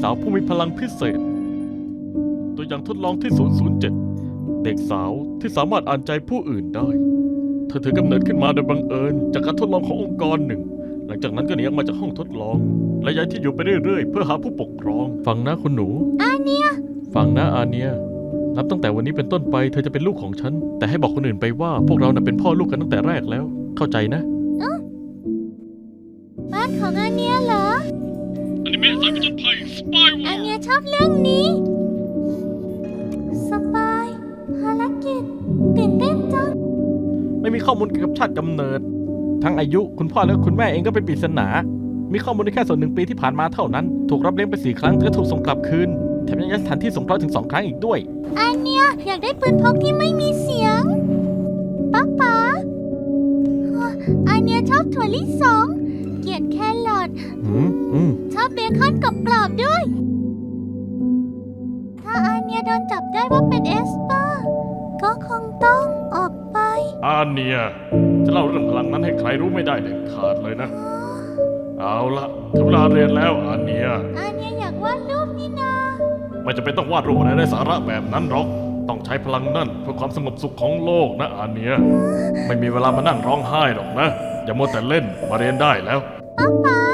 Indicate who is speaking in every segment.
Speaker 1: าวผู้มีพลังพิเศษตัวอย่างทดลองที่ 007 เด็กสาวที่สามารถอ่านใจผู้อื่นได้เธอถือกำเนิดขึ้นมาโดยบังเอิญจากการทดลองขององค์กรหนึ่งหลังจากนั้นก็หนีออกมาจากห้องทดลองและย้ายที่อยู่ไปเรื่อยๆเพื่อหาผู้ปกครองฟังนะคุณหนูอาเนียฟังนะอาเนียนับตั้งแต่วันนี้เป็นต้นไปเธอจะเป็นลูกของฉันแต่ให้บอกคนอื่นไปว่าพวกเราเป็นพ่อลูกกันตั้งแต่แรกแล้วเข้าใจนะ
Speaker 2: บ้านของอาเนียเหรอ
Speaker 1: อนิเมะสายผจญภัยสปาย
Speaker 2: อาเนียชอบเรื่องนี้สปายภารกิจตื่นเต้นจัง
Speaker 1: ไม่มีข้อมูลเกี่ยวกับชาติกำเนิดทั้งอายุคุณพ่อและคุณแม่เองก็เป็นปริศนามีข้อมูลได้แค่ส่วน1 ปีที่ผ่านมาเท่านั้นถูกรับเลี้ยงไป4 ครั้งแต่ถูกส่งกลับคืนแถมยังย้ายสถานที่สงเคราะห์ถึง2 ครั้งอีกด้วย
Speaker 2: อาเนียอยากได้ปืนพกที่ไม่มีเสียงป๊าอาเนียชอบถั่วลิสงเกลียดแครอทชอบเบคอนกรอบๆด้วยถ้าอาเนียโดนจับได้ว่าเป็นเอสเปอร์ก็คงต้องออกไป
Speaker 1: อาเนียจะเล่าเรื่องพลังนั้นให้ใครรู้ไม่ได้เด็ดขาดเลยนะเอาละถึงเวลาเรียนแล้วอาเนีย
Speaker 2: อยากวาดรูปนี่นา
Speaker 1: ไม่จำเป็นต้องวาดรูปอะไรไร้สาระแบบนั้นหรอกต้องใช้พลังนั่นเพื่อความสงบสุขของโลกนะอาเนียไม่มีเวลามานั่งร้องไห้หรอกนะอย่ามัวแต่เล่นมาเรียนได้แล้ว
Speaker 2: ป๊า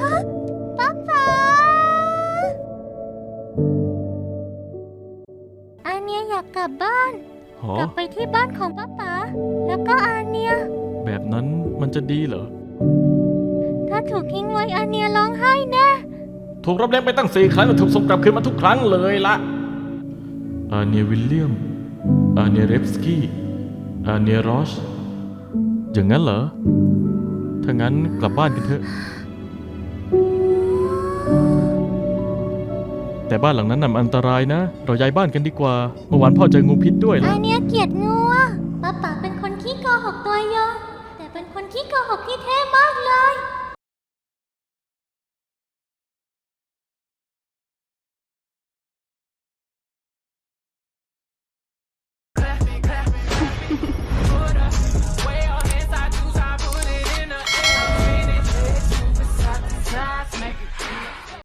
Speaker 2: อาเนียอยากกลับบ้านกลับไปที่บ้านของป๊าแล้วก็อาเนีย
Speaker 1: แบบนั้นมันจะดีเหรอ
Speaker 2: ถ้าถูกทิ้งไว้อาเนียร้องไห้แน่
Speaker 1: ถูกรับเลี้ยงไปตั้ง4 ครั้งและถูกส่งกลับคืนมาทุกครั้งเลยละอาเนียวิลเลียมอาเนียเรฟสกี้อาเนียรอชอย่างนั้นเหรอถ้างั้นกลับบ้านกันเถอะแต่บ้านหลังนั้นอันตรายนะเราย้ายบ้านกันดีกว่าเมื่อวานพ่อเจองูพิษด้วย
Speaker 2: อาเนียเกลียดงูป๊าเป็นคนขี้โกหกตัวยงแต่เป็นคนขี้โกหกที่เท่มากเลย